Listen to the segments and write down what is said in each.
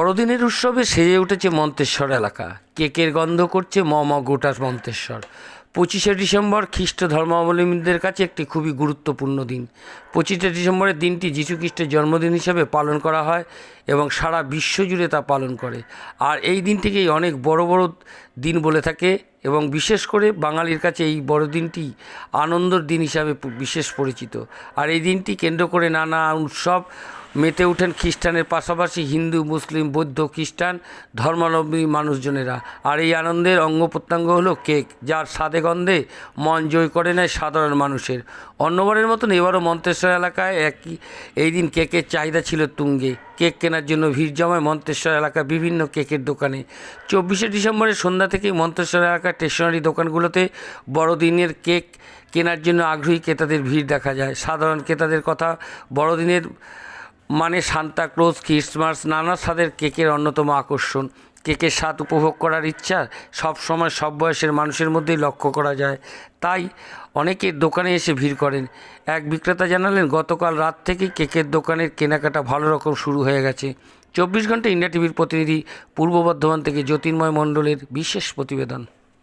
বড়দিনের উৎসবে সেজে উঠেছে মন্তেশ্বর এলাকা। কেকের গন্ধ করছে গোটা মন্তেশ্বর। 25শে ডিসেম্বর খ্রিস্ট ধর্মাবলম্বীদের কাছে একটি খুবই গুরুত্বপূর্ণ দিন। 25শে ডিসেম্বরের দিনটি যীশুখ্রিস্টের জন্মদিন হিসেবে পালন করা হয় এবং সারা বিশ্ব জুড়ে তা পালন করে। আর এই দিনটিকেই অনেক বড় বড় দিন বলে থাকে এবং বিশেষ করে বাঙালির কাছে এই বড়দিনটি আনন্দের দিন হিসাবে বিশেষ পরিচিত। আর এই দিনটি কেন্দ্র করে নানা উৎসব মেতে ওঠেন খ্রিস্টানের পাশাপাশি হিন্দু, মুসলিম, বৌদ্ধ, খ্রিস্টান ধর্মাবলম্বী মানুষজনেরা। আর এই আনন্দের অঙ্গ প্রত্যঙ্গ হলো কেক, যার স্বাদে গন্ধে মন জয় করে নেয় সাধারণ মানুষের। অন্যবারের মতন এবারও মন্তেশ্বর এলাকায় এই দিন কেকের চাহিদা ছিল তুঙ্গে। কেক কেনার জন্য ভিড় জমায় মন্তেশ্বর এলাকার বিভিন্ন কেকের দোকানে। 24শে ডিসেম্বরের সন্ধ্যা থেকেই মন্তেশ্বর এলাকার স্টেশনারি দোকানগুলোতে বড়দিনের কেক কেনার জন্য আগ্রহী ক্রেতাদের ভিড় দেখা যায়। সাধারণ ক্রেতাদের কথা, বড়দিনের মানে সান্তা ক্লজ, ক্রিসমাস, নানা স্বাদের কেকের অন্যতম আকর্ষণ। কেকের স্বাদ উপভোগ করার ইচ্ছা সব সময় সব বয়সের মানুষের মধ্যেই লক্ষ্য করা যায়, তাই অনেকে দোকানে এসে ভিড় করেন। এক বিক্রেতা জানালেন, গতকাল রাত থেকেই কেকের দোকানের কেনাকাটা ভালো রকম শুরু হয়ে গেছে। 24 ঘন্টা ইন্ডিয়া টিভির প্রতিনিধি পূর্ব বর্ধমান থেকে জ্যোতির্ময় মণ্ডলের বিশেষ প্রতিবেদন।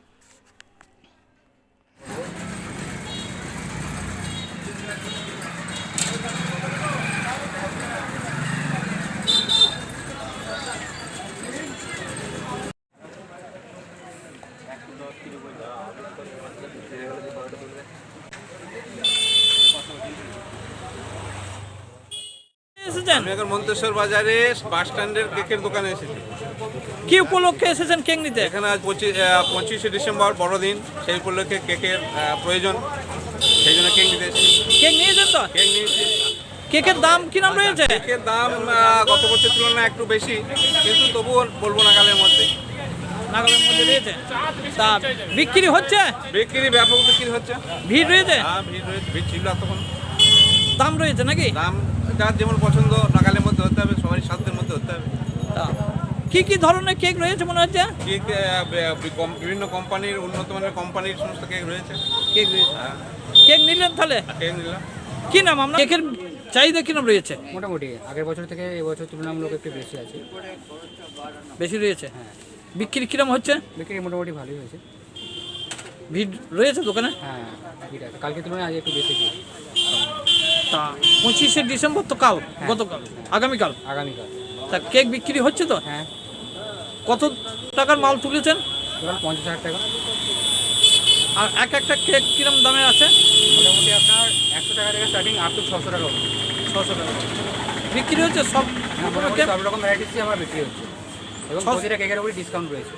আমি এখন মন্তেশ্বর বাজারে বাস স্ট্যান্ডের কেকের দোকানে এসেছি। কি উপলক্ষে এসেছেন কেক নিতে? এখানে আজ 25শে ডিসেম্বর বড়দিন, সেই উপলক্ষে কেকের প্রয়োজন, সেই জন্য কেক নিতে এসেছি। কেক নিয়েছেন তো? কেক নিয়েছি। কেকের দাম কি নাম রয়েছে? কেকের দাম গত বছরের তুলনায় একটু বেশি, কিন্তু তবুও বলবো নাগালের মধ্যে। নাগালের মধ্যে রয়েছে। তা বিক্রি হচ্ছে? বিক্রি ব্যাপক বিক্রি হচ্ছে। ভিড় রয়েছে? হ্যাঁ, ভিড় রয়েছে, ভিড় ছিল তখন। দাম রয়েছে নাকি? দাম যার যেমন পছন্দ নাগালের মধ্যে হতে হবে, সবারই সাধ্যের মধ্যে হতে হবে। তা কি কি ধরনের কেক রয়েছে মনে হচ্ছে? কেক বিভিন্ন কোম্পানির, উন্নত মানের কোম্পানির সমস্ত কেক রয়েছে। কেক রয়েছে। হ্যাঁ, কেক নিলেন তাহলে? কেক নিলাম। কি নাম আপনার? কেকের চাহিদা কি নাম রয়েছে? মোটামুটি আগের বছর থেকে এবছর তুলনামূলক একটু বেশি আছে। বেশি রয়েছে? হ্যাঁ। বিক্রি কিরম হচ্ছে? বিক্রি মোটামুটি ভালোই হয়েছে। ভিড় রয়েছে দোকানে? হ্যাঁ, ভিড় আছে। কালকে তুলনায় আজ একটু বেশি ভিড়। তা 25শে ডিসেম্বর তো কাল, গতকাল, আগামীকাল। আগামীকাল। তা কেক বিক্রি হচ্ছে তো? হ্যাঁ, কত টাকার মাল তুলেছেন? টোটাল 50,000 টাকা। আর একটা কেক কিরম দামে আছে? মোটামুটি আপনার 100 টাকা থেকে স্টার্টিং আপ টু 600 টাকা অবধি। 600 টাকা বিক্রি হচ্ছে সব মোটামুটি কেক? সব রকম ভ্যারাইটিসই আমার বিক্রি হচ্ছে এবং 600 প্রতিটা কেকের উপরে ডিসকাউন্ট রয়েছে।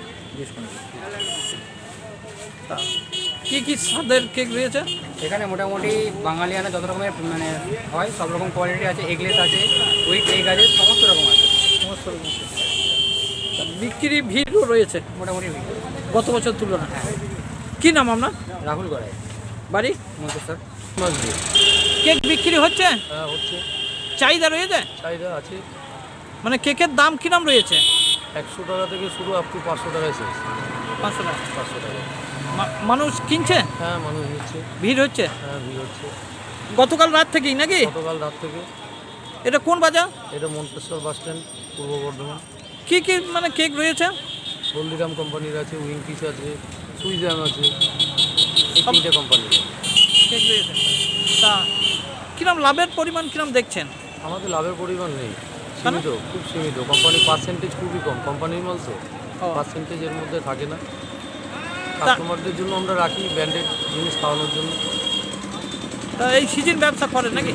তা কি কি স্বাদের কেক রয়েছে? এখানে মোটামুটি বাঙালিয়ানা যত রকমের মানে হয় সব রকম কোয়ালিটি আছে। এগলেস আছে, উইথ এগ আছে, সমস্ত রকম আছে। সমস্ত রকম কেক। তা বিক্রি ভিড়ও রয়েছে মোটামুটি ভিড়। গত বছর তুলনায়। কি নাম আপনার? রাহুল গড়াই, বাড়ি? মন্তেশ্বর। কেক বিক্রি হচ্ছে? হ্যাঁ, হচ্ছে। চাহিদা রয়েছে? চাহিদা আছে। মানে কেকের দাম কি নাম রয়েছে? 100 টাকা থেকে শুরু আপ টু 500 টাকায় শেষ। 500 টাকা। 500 টাকা। মানুষ কিনছে? হ্যাঁ, মানুষ নিচ্ছে। ভিড় হচ্ছে? হ্যাঁ, ভিড় হচ্ছে। গতকাল রাত থেকেই নাকি? গতকাল রাত থেকে। এটা কোন বাজার? এটা মন্তেশ্বর বাস স্ট্যান্ড, পূর্ব বর্ধমান। কি কি মানে কেক রয়েছে? হলদিরাম কোম্পানির আছে, উইংকিস আছে, সুইজাম আছে, এই সব- 3টে কোম্পানির। কেক রয়েছে। তা কিরম লাভের পরিমাণ কিরম দেখছেন? আমাদের লাভের পরিমাণ নেই, কেন? সীমিত, খুব সীমিত। কোম্পানির পার্সেন্টেজ খুবই কম। কোম্পানির মাল তো ও। পার্সেন্টেজের মধ্যে থাকে না। কাস্টমারদের জন্য আমরা রাখি ব্র্যান্ডেড জিনিস খাওয়ানোর জন্য। তা এই সিজন ব্যবসা করেন নাকি?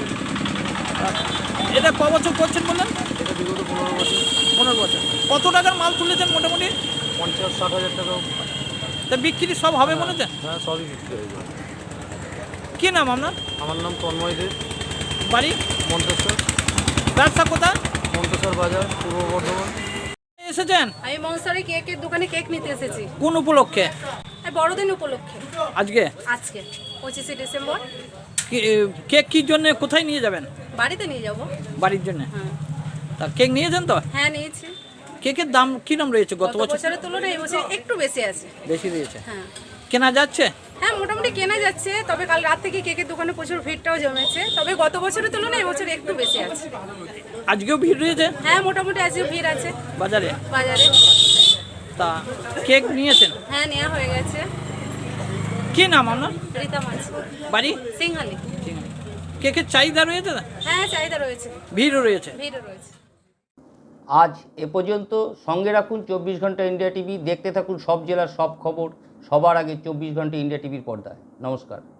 এটা ক বছর করছেন বললেন? এটা বিগত 15 বছর। 15 বছর। কত টাকার মাল তুলেছেন মোটামুটি? 50-60 হাজার টাকা। তা বিক্রি সব হবে মনে হচ্ছে? হ্যাঁ, সবই বিক্রি হয়ে যায়। কি নাম আপনার? আমার নাম তন্ময় দেব, বাড়ি? মন্তেশ্বর। ব্যবসা কোথায়? মন্তেশ্বর বাজার, পূর্ব বর্ধমান। এসেছেন আমি মনসারি কেকের দোকানে কেক নিতে এসেছি কোন উপলক্ষে? এই বড়দিন উপলক্ষে। আজকে আজকে 25শে ডিসেম্বর। কেক কি জন্য কোথায় নিয়ে যাবেন? বাড়িতে নিয়ে যাব। বাড়ির জন্য। হ্যাঁ, তা কেক নিয়েছেন তো? হ্যাঁ নিয়েছি। কেকের দাম কি নাম রয়েছে গত গত বছর? বছরের তুলনায় এই বছর একটু বেশি আছে। বেশি রয়েছে। হ্যাঁ, কেনা যাচ্ছে? হ্যাঁ মোটামুটি কেনা যাচ্ছে, তবে কাল রাত থেকে কেকের দোকানে প্রচুর ভিড়টাও জমেছে, তবে গত বছরের তুলনায় এবছর একটু বেশি আছে। আজকেও ভিড় রয়েছে হ্যাঁ মোটামুটি আজকে ভিড় আছে বাজারে। বাজারে। তা কেক নিয়েছেন? হ্যাঁ নেওয়া হয়ে গেছে। কি নাম আপনার? রীতা মাছ, বাড়ি? সিংহালি। কেকের চাহিদা রয়েছে না? হ্যাঁ চাহিদা রয়েছে, ভিড়ও রয়েছে। ভিড়ও রয়েছে। আজ এ পর্যন্ত। সঙ্গে রাখুন 24 ঘন্টা ইন্ডিয়া টিভি। দেখতে থাকুন সব জেলার সব খবর সবার আগে 24 ঘন্টা ইন্ডিয়া টিভির পর্দায়। নমস্কার।